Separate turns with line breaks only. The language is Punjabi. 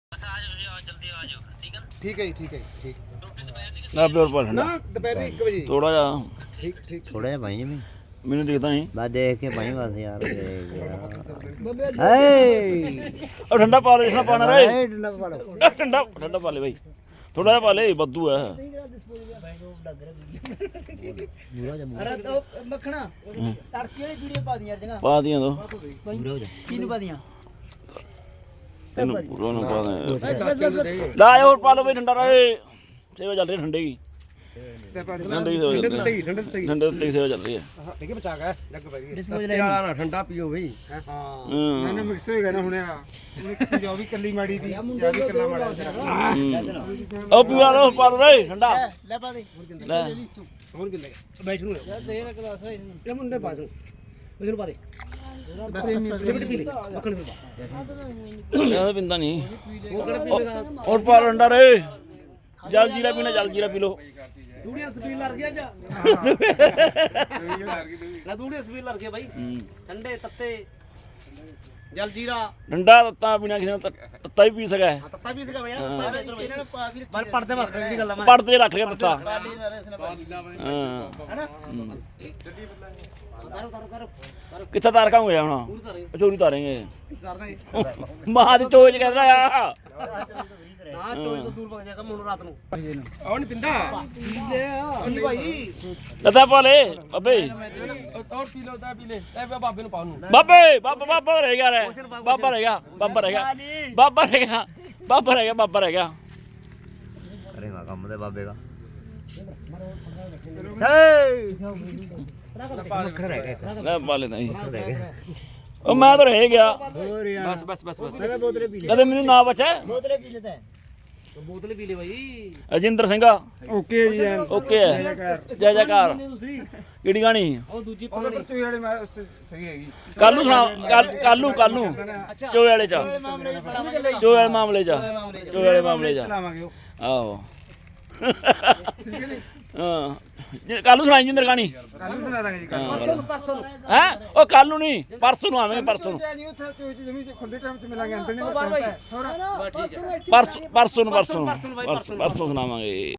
ਠੀਕ ਹੈ ਜੀ ਠੀਕ ਹੈ ਠੀਕ
ਨਾ ਪਿਓਰ ਪਾ ਠੰਡਾ
ਨਾ ਦੁਪਹਿਰ 1 ਵਜੇ
ਥੋੜਾ ਜਿਹਾ
ਠੀਕ ਠੀਕ
ਥੋੜਾ ਜਿਹਾ ਭਾਈ ਜਿਵੇਂ
ਮੈਨੂੰ ਦਿਖਦਾ ਨਹੀਂ
ਬਸ ਦੇਖ ਕੇ ਭਾਈ ਬਸ ਯਾਰ ਦੇਖ ਹੇ
ਉਹ ਠੰਡਾ ਪਾ ਲੈ ਜਿਸਨਾ ਪਾਣਾ ਰੇ
ਠੰਡਾ ਪਾ ਲਓ
ਠੰਡਾ ਠੰਡਾ ਪਾ ਲੈ ਬਾਈ ਥੋੜਾ ਜਿਹਾ ਪਾ ਲੈ ਬੱਦੂ ਹੈ
ਅਰੇ ਉਹ ਮੱਖਣਾ ਤੜਕੇ ਵਾਲੀ ਵੀਡੀਓ ਪਾ ਦੀ ਯਾਰ ਜਗਾ
ਪਾ ਦੀਆਂ ਦੋ
ਕਿਹਨੂੰ ਪਾ ਦੀਆਂ
ਇਹਨੂੰ ਪੂਰਾ ਨੂੰ ਪਾ ਦੇ ਲਾ ਹੋਰ ਪਾ ਲਓ ਬਈ ਠੰਡਾ ਰਹੇ ਸੇਵਾ ਚੱਲ ਰਹੀ ਠੰਡੇ ਦੀ ਠੰਡੇ ਦੀ ਸੇਵਾ ਚੱਲ ਰਹੀ
ਠੰਡੇ ਤੇ
ਠੰਡੇ ਦੀ ਸੇਵਾ ਚੱਲ ਰਹੀ ਹੈ
ਦੇਖੇ ਬਚਾ ਗਿਆ ਜੱਗ ਪੈ ਰਹੀ
ਵਾਲਾ ਨਾ ਠੰਡਾ ਪੀਓ ਬਈ
ਹਾਂ ਨਾ ਮਿਕਸ ਹੋ ਗਿਆ ਨਾ ਹੁਣੇ ਮਿਕਸ ਜੋ ਵੀ ਕੱਲੀ ਮਾੜੀ ਦੀ ਜਾਂ ਵੀ ਕੱਲਾ ਮਾੜਾ
ਉਹ ਪੀਵਾ ਲਓ ਪਾ ਲਓ ਰੇ ਠੰਡਾ
ਲੈ ਪਾ ਦੇ
ਲੈ
ਹੋਰ ਕਿੰਨੇ ਬੈਠ ਨੂੰ ਯਾਰ ਦੇ ਰ ਗਲਾਸ ਹੈ ਇਹ ਮੁੰਡੇ ਪਾ ਦੇ ਇਹਨੂੰ ਪਾ ਦੇ ਬਸ ਲਿਮਟ ਪੀ ਲੈ ਮੱਖਣ ਪੀ
ਇਹ ਪਿੰਦਾ ਨਹੀਂ ਹੋਰ ਪਾ ਲਓ ਠੰਡਾ ਰੇ ਜਲ ਜੀਰਾ ਪੀਣਾ ਜਲ ਜੀਰਾ ਪੀ ਲਓ
ਦੂੜੀਆਂ ਸਪੀਡ ਲੱਗ ਗਿਆ ਜਾ ਨਾ ਦੂੜੀਆਂ ਸਪੀਡ ਲੱਗ ਗਿਆ ਬਾਈ ਠੰਡੇ ਤੱਤੇ ਜਲ ਜੀਰਾ
ਠੰਡਾ ਤੱਤਾ ਪੀਣਾ ਕਿਸੇ ਨੇ ਤੱਤਾ ਵੀ ਪੀ ਸਕਦਾ ਹੈ
ਤੱਤਾ ਵੀ ਸੀਗਾ ਭਈਆ ਇਹਨਾਂ ਨੇ ਪਾ ਵੀ ਰੱਖਿਆ ਪੜਦੇ ਵਰਖ ਦੀ ਗੱਲ ਆ ਮੈਂ
ਪੜਦੇ ਰੱਖ ਕੇ ਤੱਤਾ
ਹਾਂ
ਹਾਂ
ਤਾਰੋ
ਕਿੱਥੇ ਤਾਰ ਕਾਂਗੇ ਹੁਣ ਚੋਰੀ ਤਾਰੇਂਗੇ
ਕਰਦਾ
ਮਾਂ ਦੀ ਚੋਜ ਕਹਿੰਦਾ ਆ
ਨਾ ਚੋਰੀ ਤੋਂ ਦੂਰ ਭੱਜ ਜਾਏਗਾ ਮੈਨੂੰ ਰਾਤ ਨੂੰ
ਆਉਣ ਪਿੰਦਾ
ਲੈ ਭਾਈ
ਲੱਦਾ ਪਾ ਲੈ ਅਬੇ
ਔਰ ਪੀ ਲਓ ਤਾਂ ਪੀ ਲੈ ਲੈ ਬਾਬੇ ਨੂੰ ਪਾਉਣ ਨੂੰ
ਬਾਬੇ ਬਾਬਾ ਰਹਿ ਗਿਆ ਰੇ ਬਾਬਾ ਰਹਿ ਗਿਆ ਬਾਬਾ ਰਹਿ ਗਿਆ ਬਾਬਾ ਰਹਿ ਗਿਆ ਬਾਬਾ ਰਹਿ ਗਿਆ ਬਾਬਾ ਰਹਿ ਗਿਆ
ਕਰੇਗਾ ਕੰਮ ਦੇ ਬਾਬੇ ਦਾ ਮੱਖਣ ਰਹਿ ਗਿਆ
ਲੈ ਪਾ ਲੈ ਨਹੀਂ ਉਹ ਮੈਂ ਤਾਂ ਰਹਿ ਗਿਆ
ਹੋਰ ਯਾਰ
ਬਸ
ਮੈਂ ਤਾਂ ਬੋਤਲੇ ਪੀ ਲੈ
ਕਦੇ ਮੈਨੂੰ ਨਾ ਬਚਾ
ਬੋਤਲੇ ਪੀ ਲੈਦਾ
ਬੋਤਲ ਪੀ ਲੈ ਭਾਈ
ਅਜਿੰਦਰ ਸਿੰਘ
ਓਕੇ ਜੀ
ਓਕੇ ਹੈ ਜੈ ਜੈਕਾਰ
ਤੁਸੀਂ
ਕਿਹੜੀ ਗਾਣੀ
ਉਹ ਦੂਜੀ ਪਾਣੀ
ਤੂੰ ਵਾਲੇ ਸਹੀ ਹੈਗੀ
ਕੱਲ ਨੂੰ ਸੁਣਾ ਕੱਲ ਨੂੰ ਚੋਏ ਵਾਲੇ ਚ ਚੋਏ ਵਾਲੇ ਮਾਮਲੇ ਚ ਚੋਏ ਵਾਲੇ ਮਾਮਲੇ ਚ
ਲਾਵਾਂਗੇ ਉਹ
ਆਹੋ ਹਾਂ ਕੱਲ ਨੂੰ ਸੁਣਾਈ ਜਿੰਦਰ ਗਾਣੀ
ਕੱਲ ਨੂੰ ਸੁਣਾ ਦਾਂਗੇ ਜੀ
ਪਰਸੋਂ
ਹੈ ਉਹ ਕੱਲ ਨੂੰ ਨਹੀਂ ਪਰਸੋਂ ਨੂੰ ਆਵਾਂਗੇ ਪਰਸੋਂ ਨੂੰ
ਨਹੀਂ ਉੱਥੇ ਤੂੰ ਜਮੀ ਖੁੱਲੇ ਟਾਈਮ ਤੇ ਮਿਲਾਂਗੇ ਅੰਦਰ ਨਹੀਂ
ਪਰਸੋਂ ਨੂੰ ਸੁਣਾਵਾਂਗੇ